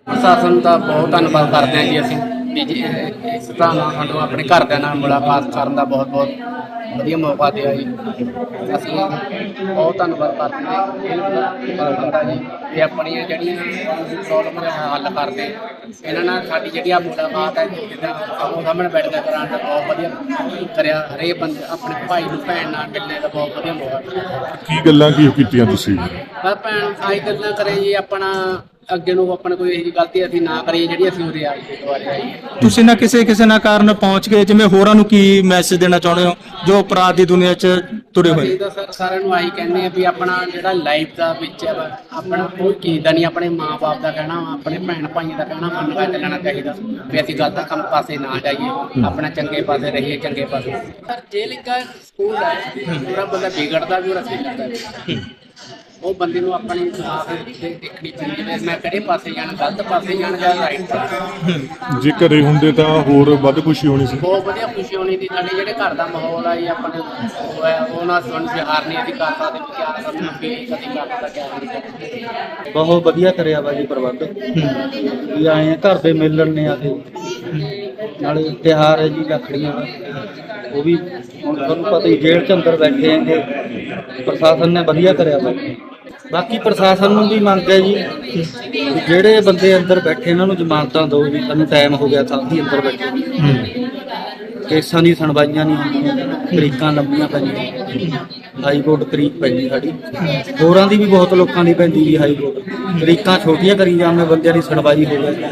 ਪ੍ਰਸ਼ਾਸਨ ਦਾ ਬਹੁਤ ਧੰਨਵਾਦ ਕਰਦੇ ਹਾਂ ਜੀ ਅਸੀਂ ਵੀ ਜੀ ਇਸ ਤਰ੍ਹਾਂ ਨਾਲ ਸਾਨੂੰ ਆਪਣੇ ਘਰਦਿਆਂ ਨਾਲ ਮੁਲਾਕਾਤ ਕਰਨ ਦਾ ਬਹੁਤ ਬਹੁਤ ਵਧੀਆ ਮੌਕਾ ਦਿਆ ਜੀ। ਅਸੀਂ ਬਹੁਤ ਧੰਨਵਾਦ ਕਰਦੇ ਹਾਂ ਪ੍ਰਸ਼ਾਸਨ ਜੀ ਤੇ ਆਪਣੀਆਂ ਜਿਹੜੀਆਂ ਪ੍ਰੋਬਲਮਾਂ ਦਾ ਹੱਲ ਕਰਦੇ। ਇਹਨਾਂ ਨਾਲ ਸਾਡੀ ਜਿਹੜੀ ਆ ਮੁਲਾਕਾਤ ਹੈ ਜਿੱਦਾਂ ਸਾਹਮਣੇ ਬੈਠ ਕੇ ਕਰਾਉਣ ਦਾ ਬਹੁਤ ਵਧੀਆ ਕਰਿਆ। ਹਰੇਕ ਬੰਦੇ ਆਪਣੇ ਭਾਈ ਨੂੰ ਭੈਣ ਨਾਲ ਮਿਲਣੇ ਦਾ ਬਹੁਤ ਵਧੀਆ ਮੌਕਾ। ਕੀ ਗੱਲਾਂ ਕੀ ਕੀਤੀਆਂ ਤੁਸੀਂ? ਬਸ ਭੈਣ ਆਈ ਗੱਲਾਂ ਕਰੇ ਜੀ ਆਪਣਾ ਅੱਗੇ ਨੂੰ ਆਪਣਾ ਕੋਈ ਇਹੋ ਜਿਹੀ ਗਲਤੀ ਅਸੀਂ ਨਾ ਕਰੀਏ ਜਿਹੜੀ ਅਸੀਂ ਉਰੇ ਆਈਏ ਦੁਬਾਰੇ ਆਈਏ। ਤੁਸੀਂ ਨਾ ਕਿਸੇ ਨਾ ਕਾਰਨ ਪਹੁੰਚ ਗਏ, ਜਿਵੇਂ ਹੋਰਾਂ ਨੂੰ ਕੀ ਮੈਸੇਜ ਦੇਣਾ ਚਾਹੁੰਦੇ ਹੋ ਜੋ ਅਪਰਾਧ ਦੀ ਦੁਨੀਆ 'ਚ ਤੁਰੇ ਹੋਏ? ਅਸੀਂ ਤਾਂ ਸਰ ਸਾਰਿਆਂ ਨੂੰ ਆਹੀ ਕਹਿੰਦੇ ਆ ਵੀ ਆਪਣਾ ਜਿਹੜਾ ਲਾਈਫ ਦਾ ਵਿੱਚ ਹੈ ਆਪਣਾ ਕੋਈ ਚੀਜ਼ ਦਾ ਨਹੀਂ, ਆਪਣੇ ਮਾਂ-ਬਾਪ ਦਾ ਕਹਿਣਾ ਆਪਣੇ ਭੈਣ ਭਾਈਆਂ ਦਾ ਕਹਿਣਾ ਮੰਨ ਕੇ ਚੱਲਣਾ ਚਾਹੀਦਾ ਵੀ ਅਸੀਂ ਗਲਤ ਕੰਮ ਪਾਸੇ ਨਾ ਜਾਈਏ, ਆਪਣਾ ਚੰਗੇ ਪਾਸੇ ਰਹੀਏ, ਚੰਗੇ ਪਾਸੇ। ਸਰ ਜੇਲ੍ਹ ਇੱਕ ਸਕੂਲ ਹੈ, ਪੂਰਾ ਬੰਦਾ ਵਿਗੜਦਾ ਵੀ ਔਰ ਸਿੱਖਦਾ। ਉਹ ਬੰਦੇ ਨੂੰ ਆਪਣੀ ਦੇਖਣੀ ਪੈਂਦੀ ਹੈ ਮੈਂ ਕਿਹੜੇ ਪਾਸੇ ਜਾਣਾ, ਗਲਤ ਪਾਸੇ ਜਾਣਾ ਜਾਂ ਰਾਈਟ ਪਾਸੇ। ਜੇ ਘਰੇ ਹੁੰਦੇ ਤਾਂ ਹੋਰ ਵੱਧ ਖੁਸ਼ੀ ਹੋਣੀ ਸੀ। ਬਹੁਤ ਵਧੀਆ ਖੁਸ਼ੀ ਹੋਣੀ ਸੀ। ਸਾਡੇ ਜਿਹੜੇ ਘਰ ਦਾ ਮਾਹੌਲ ਆ ਜੀ ਆਪਣੇ ਉਹਨਾਂ ਸਾਨੂੰ ਪਿਆਰ ਨਹੀਂ ਅਸੀਂ ਕਰ ਸਕਦੇ, ਪਿਆਰ ਸਾਨੂੰ ਫੀਲ ਕਦੀ ਕਰ ਸਕਦਾ ਕਿਆ ਨਹੀਂ। ਬਹੁਤ ਵਧੀਆ ਕਰਿਆ ਵਾ ਜੀ ਪ੍ਰਬੰਧ ਵੀ ਆਏ ਆ ਘਰ ਦੇ ਮਿਲਣ ਨੇ ਆ ਕੇ। ਨਾਲੇ ਤਿਉਹਾਰ ਹੈ ਜੀ ਰੱਖੜੀਆਂ ਦਾ, ਉਹ ਵੀ ਹੁਣ ਤੁਹਾਨੂੰ ਪਤਾ ਹੀ ਜੇਲ੍ਹ 'ਚ ਅੰਦਰ ਬੈਠੇ ਹੈਗੇ। ਪ੍ਰਸ਼ਾਸਨ ਨੇ ਵਧੀਆ ਕਰਿਆ ਵਾ। ਬਾਕੀ ਪ੍ਰਸ਼ਾਸਨ ਨੂੰ ਵੀ ਮੰਗ ਹੈ ਜੀ ਵੀ ਜਿਹੜੇ ਬੰਦੇ ਅੰਦਰ ਬੈਠੇ ਇਹਨਾਂ ਨੂੰ ਜ਼ਮਾਨਤਾਂ ਦਿਓ ਜੀ। ਸਾਨੂੰ ਟਾਈਮ ਹੋ ਗਿਆ ਸਾਥੀ ਅੰਦਰ ਬੈਠੇ, ਕੇਸਾਂ ਦੀ ਸੁਣਵਾਈਆਂ ਨਹੀਂ ਹੁੰਦੀਆਂ, ਤਰੀਕਾਂ ਲੰਬੀਆਂ ਪੈਂਦੀਆਂ। ਹਾਈ ਕੋਰਟ ਤਰੀਕ ਪੈਂਦੀ ਸਾਡੀ, ਹੋਰਾਂ ਦੀ ਵੀ ਬਹੁਤ ਲੋਕਾਂ ਦੀ ਪੈਂਦੀ ਜੀ ਹਾਈ ਕੋਰਟ। ਤਰੀਕਾਂ ਛੋਟੀਆਂ ਕਰੀ ਜਾਂਦੇ, ਬੰਦਿਆਂ ਦੀ ਸੁਣਵਾਈ ਹੋ ਜਾਏ।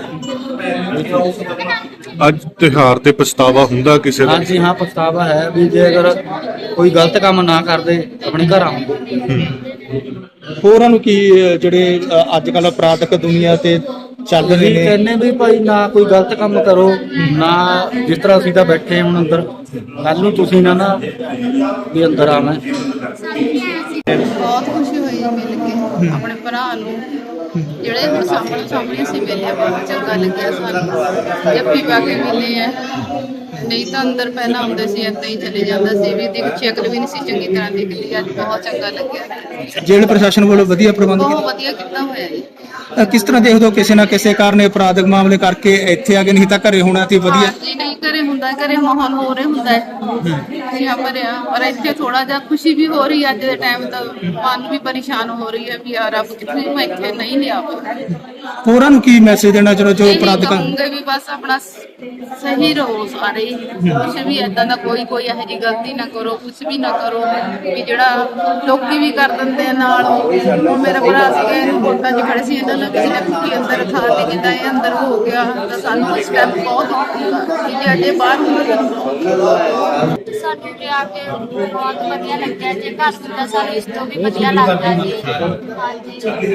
ਅੱਜ ਤਿਉਹਾਰ ਤੇ ਪਛਤਾਵਾ ਹੁੰਦਾ ਕਿਸੇ ਦਾ? ਹਾਂਜੀ ਹਾਂ, ਪਛਤਾਵਾ ਹੈ ਵੀ ਜੇ ਅਗਰ ਕੋਈ ਗਲਤ ਕੰਮ ਨਾ ਕਰਦੇ ਆਪਣੇ ਘਰ ਆਉਂਦੇ। ਹੋਰਾਂ ਨੂੰ ਕੀ ਜਿਹੜੇ ਅੱਜ ਕੱਲ੍ਹ ਅਪਰਾਧਕ ਦੁਨੀਆ ਤੇ ਚੱਲ ਰਹੇ ਨੇ ਕਹਿੰਦੇ ਵੀ ਭਾਈ ਨਾ ਕੋਈ ਗਲਤ ਕੰਮ ਕਰੋ, ਨਾ ਜਿਸ ਤਰ੍ਹਾਂ ਅਸੀਂ ਤਾਂ ਬੈਠੇ ਹੁਣ ਅੰਦਰ, ਕੱਲ ਨੂੰ ਤੁਸੀਂ ਨਾ ਵੀ ਅੰਦਰ ਆਉਣਾ। ਬਹੁਤ ਖੁਸ਼ੀ ਹੋਈ ਮਿਲ ਕੇ ਆਪਣੇ ਭਰਾ ਨੂੰ, ਜਿਹੜੇ ਹੁਣ ਸਾਹਮਣੇ ਸੀ ਮਿਲੇ, ਬਹੁਤ ਚੰਗਾ ਲੱਗਿਆ ਸਾਨੂੰ। ਜੱਫੀ ਪਾ ਕੇ ਮਿਲੇ ਆ, ਨਹੀਂ ਤਾਂ ਅੰਦਰ ਪਹਿਲਾਂ ਆਉਂਦੇ ਸੀ ਏਦਾਂ ਹੀ ਚਲੇ ਜਾਂਦਾ ਸੀ ਵੀ ਦੀ ਸ਼ਕਲ ਵੀ ਨਹੀਂ ਸੀ ਚੰਗੀ ਤਰ੍ਹਾਂ ਦਿਖਦੀ। ਅੱਜ ਬਹੁਤ ਚੰਗਾ ਲੱਗਿਆ। ਜੇਲ੍ਹ ਪ੍ਰਸ਼ਾਸਨ ਵੱਲੋਂ ਵਧੀਆ ਪ੍ਰਬੰਧ ਬਹੁਤ ਵਧੀਆ ਕੀਤਾ ਹੋਇਆ ਜੀ। ਕਿਸ ਤਰ੍ਹਾਂ ਦੇਖਦੇ ਹੋ ਕਿਸੇ ਨਾ ਕਿਸੇ ਕਾਰਨ ਅਪਰਾਧਕ ਮਾਮਲੇ ਕਰਕੇ ਇੱਥੇ ਆ ਗਏ, ਨਹੀਂ ਤਾਂ ਘਰੇ ਹੋਣਾ ਤੇ ਵਧੀਆ? ਜੀ ਨਹੀਂ, ਘਰੇ ਹੁੰਦਾ, ਘਰੇ ਮਾਹੌਲ ਹੋ ਰਿਹਾ ਹੁੰਦਾ ਹੈ ਜੀ ਭਰਿਆ, ਪਰ ਇੱਥੇ ਥੋੜਾ ਜਿਹਾ ਖੁਸ਼ੀ ਵੀ ਹੋ ਰਹੀ ਹੈ। ਅੱਜ ਦੇ ਟਾਈਮ ਤਾਂ ਮਨ ਵੀ ਪਰੇਸ਼ਾਨ ਹੋ ਰਹੀ ਹੈ ਵੀ ਯਾਰ ਰੱਬ ਕਿਤੇ ਮੈਂ ਇੱਥੇ ਨਹੀਂ ਲਿਆ। ਹੋਰਾਂ ਨੂੰ ਕੀ ਮੈਸੇਜ ਦੇਣਾ ਚਾਹੁੰਦੇ ਜੋ ਅਪਰਾਧਕਾਂ? ਕਹੂੰਗੇ ਵੀ ਬਸ ਆਪਣਾ ਸਹੀ ਰਹੋ ਸਾਰੇ, ਕੁਛ ਵੀ ਏਦਾਂ ਦਾ ਕੋਈ ਇਹੋ ਜਿਹੀ ਗਲਤੀ ਨਾ ਕਰੋ, ਕੁਛ ਵੀ ਨਾ ਕਰੋ ਵੀ ਜਿਹੜਾ ਲੋਕੀ ਵੀ ਕਰ ਦਿੰਦੇ ਆ ਨਾਲ। ਉਹ ਮੇਰਾ ਭਰਾ ਸੀਗਾ, ਇਹਨੂੰ ਕੋਟਾਂ 'ਚ ਖੜੇ ਸੀ, ਇਹਨਾਂ ਨੂੰ ਕਿਸੇ ਨੇ ਕੁੱਕੀ ਅੰਦਰ ਖਾ ਕੇ ਜਿੱਦਾਂ ਇਹ ਅੰਦਰ ਹੋ ਗਿਆ ਤਾਂ ਸਾਨੂੰ ਇਸ ਟਾਈਮ ਬਹੁਤ ਹੁੰਦਾ ਕਿ ਜੇ ਅਜੇ ਬਾਹਰ ਹੁੰਦੇ। ਸਾਨੂੰ ਤੇ ਆ ਕੇ ਬਹੁਤ ਵਧੀਆ ਲੱਗਿਆ। ਜੇ ਘਰ ਹੁੰਦਾ ਸਾਨੂੰ ਇਸ ਤੋਂ ਵੀ ਵਧੀਆ ਲੱਗਦਾ ਜੀ। ਹਾਂਜੀ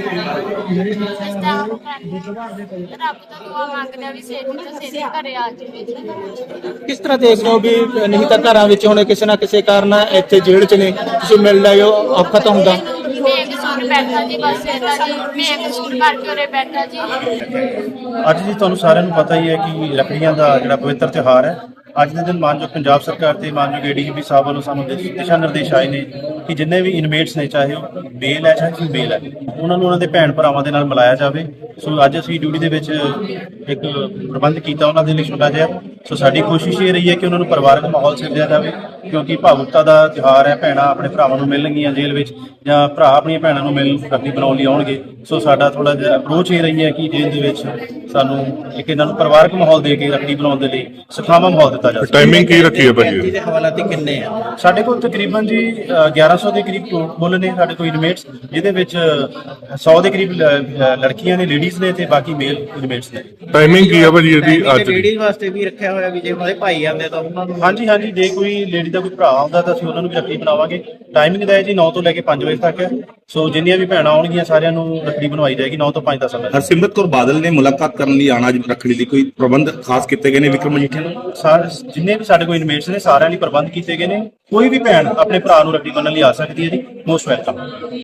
ਇਸ ਟਾਈਮ ਰੱਬ ਤੋਂ ਦੁਆ ਮੰਗਦੇ ਆ ਵੀ ਛੇਤੀ ਤੋਂ ਛੇਤੀ ਘਰੇ ਆ ਜਾਵੇ। ਕਿਸ ਤਰ੍ਹਾਂ ਦੇਖਦੇ ਹੋ ਵੀ ਨਹੀਂ ਤਾਂ ਘਰਾਂ ਵਿੱਚ ਹੁਣ ਕਿਸੇ ਨਾ ਕਿਸੇ ਕਾਰਨ ਇੱਥੇ ਜੇਲ੍ਹ 'ਚ ਨੇ, ਤੁਸੀਂ ਮਿਲ ਲਏ ਹੋ, ਔਖਾ ਤਾਂ ਹੁੰਦਾ? ਬੇਕਸੂਰ ਬੈਠਾ ਜੀ, ਬਸ ਇਹਦਾ ਜੀ ਬੇਕਸੂਰ ਕਰਕੇ ਉਰੇ ਬੈਠਾ ਜੀ। ਅੱਜ ਜੀ ਤੁਹਾਨੂੰ ਸਾਰਿਆਂ ਨੂੰ ਪਤਾ ਹੀ ਹੈ ਕਿ ਰੱਖੜੀਆਂ ਦਾ ਜਿਹੜਾ ਪਵਿੱਤਰ ਤਿਉਹਾਰ ਹੈ। ਅੱਜ ਦੇ ਦਿਨ ਮਾਨਯੋਗ ਪੰਜਾਬ ਸਰਕਾਰ ਤੇ ਮਾਨਯੋਗ ADGP ਸਾਹਿਬ ਵੱਲੋਂ ਸਾਨੂੰ ਦਿਸ਼ਾ ਨਿਰਦੇਸ਼ ਆਏ ਨੇ ਕਿ ਜਿੰਨੇ ਵੀ ਇਨਮੇਟਸ ਨੇ, ਚਾਹੇ ਉਹ ਬੇਲ ਹੈ ਚਾਹੇ ਬੇਲ ਹੈ, ਉਹਨਾਂ ਨੂੰ ਉਹਨਾਂ ਦੇ ਭੈਣ ਭਰਾਵਾਂ ਦੇ ਨਾਲ ਮਿਲਾਇਆ ਜਾਵੇ। ਸੋ ਅੱਜ ਅਸੀਂ ਡਿਊਟੀ ਦੇ ਵਿੱਚ ਇੱਕ ਪ੍ਰਬੰਧ ਕੀਤਾ ਉਹਨਾਂ ਦੇ ਲਈ ਛੋਟਾ ਜਿਹਾ। ਸੋ ਸਾਡੀ ਕੋਸ਼ਿਸ਼ ਇਹ ਰਹੀ ਹੈ ਕਿ ਉਹਨਾਂ ਨੂੰ ਪਰਿਵਾਰਕ ਮਾਹੌਲ ਸਿਰਜਿਆ ਜਾਵੇ, ਕਿਉਂਕਿ ਭਾਵੁਕਤਾ ਦਾ ਤਿਉਹਾਰ ਹੈ। ਭੈਣਾਂ ਆਪਣੇ ਭਰਾਵਾਂ ਨੂੰ ਮਿਲਣਗੀਆਂ ਜੇਲ੍ਹ ਵਿੱਚ, ਜਾਂ ਭਰਾ ਆਪਣੀਆਂ ਭੈਣਾਂ ਨੂੰ ਰੱਖੜੀ ਬਣਾਉਣ ਲਈ ਆਉਣਗੇ। ਸੋ ਸਾਡਾ ਥੋੜਾ ਜਿਹਾ ਅਪਰੋਚ ਇਹ ਰਹੀ ਹੈ ਕਿ ਜੇਲ੍ਹ ਦੇ ਵਿੱਚ ਸਾਨੂੰ ਇੱਕ ਇਹਨਾਂ ਨੂੰ ਪਰਿਵਾਰਕ ਮਾਹੌਲ ਦੇ ਕੇ ਰੱਖੜੀ ਬਣਾਉਣ ਦੇ ਲਈ ਸੁਖਾਵਾਂ ਮਾਹੌਲ ਦਿੱਤਾ ਜਾਵੇ। ਟਾਈਮਿੰਗ ਕੀ ਰੱਖੀ ਹੈ ਭਾਜੀ? ਦੇ ਹਵਾਲਾਤੀ ਕਿੰਨੇ ਆ ਸਾਡੇ ਕੋਲ ਤਕਰੀਬਨ ਜੀ 1100 ਦੇ ਕਰੀਬ ਕੁੱਲ ਨੇ ਸਾਡੇ ਕੋਲ ਇਨਮੇਟਸ, ਜਿਹਦੇ ਵਿੱਚ 100 ਦੇ ਕਰੀਬ ਲੜਕੀਆਂ ਨੇ, ਲੇਡੀਜ਼ ਨੇ, ਤੇ ਬਾਕੀ ਮੇਲ ਇਨਮੇਟਸ ਨੇ। ਟਾਈਮਿੰਗ ਕੀ ਹੈ ਭਾਜੀ ਇਹਦੀ ਅੱਜ ਦੀ? ਲੇਡੀਜ਼ ਵਾਸਤੇ ਵੀ ਰੱਖਿਆ ਹੋਇਆ ਵੀ ਜੇ ਉਹਨਾਂ ਦੇ ਭਾਈ ਆਉਂਦੇ ਤਾਂ ਉਹਨਾਂ ਨੂੰ? ਹਾਂਜੀ ਹਾਂਜੀ, ਜੇ ਕੋਈ ਲੇਡੀ ਦਾ ਕੋਈ ਭਰਾ ਆਉਂਦਾ ਤਾਂ ਅਸੀਂ ਉਹਨਾਂ ਨੂੰ ਵੀ ਰੱਖੜੀ ਬਣਾਵਾਂਗੇ। ਟਾਈਮਿੰਗ ਦਾ ਹੈ ਜੀ 9 ਤੋਂ ਲੈ ਕੇ 5 ਵਜੇ ਤੱਕ ਹੈ। ਸੋ ਜਿੰਨੀਆਂ ਵੀ ਭੈਣਾਂ ਆਉਣਗੀਆਂ ਸਾਰਿਆਂ ਨੂੰ ਰੱਖੜੀ ਬਣਵਾਈ ਜਾਏਗੀ 9 ਤੋਂ 5 ਦਾ ਸਮਾਂ। ਹਰਸਿਮਰਤ ਕੌਰ ਬਾਦਲ ਨੇ ਮੁਲਾਕਾਤ ਕਰਨ ਲਈ ਆਣਾ ਰੱਖੜੀ ਦੀ, ਕੋਈ ਪ੍ਰਬੰਧ ਖਾਸ ਕੀਤੇ ਗਏ ਨੇ ਵਿਕਰਮ ਮਜੀਠੀਆ ਨੂੰ? ਜਿੰਨੇ ਵੀ ਸਾਡੇ ਕੋਲ ਇਨਮੇਟਸ ਨੇ ਸਾਰਿਆਂ ਲਈ ਪ੍ਰਬੰਧ ਕੀਤੇ ਗਏ ਨੇ। ਕੋਈ ਵੀ ਭੈਣ ਆਪਣੇ ਭਰਾ ਨੂੰ ਰੱਖੜੀ ਬੰਨ੍ਹਣ ਲਈ ਆ ਸਕਦੀ ਹੈ ਜੀ। Most welcome.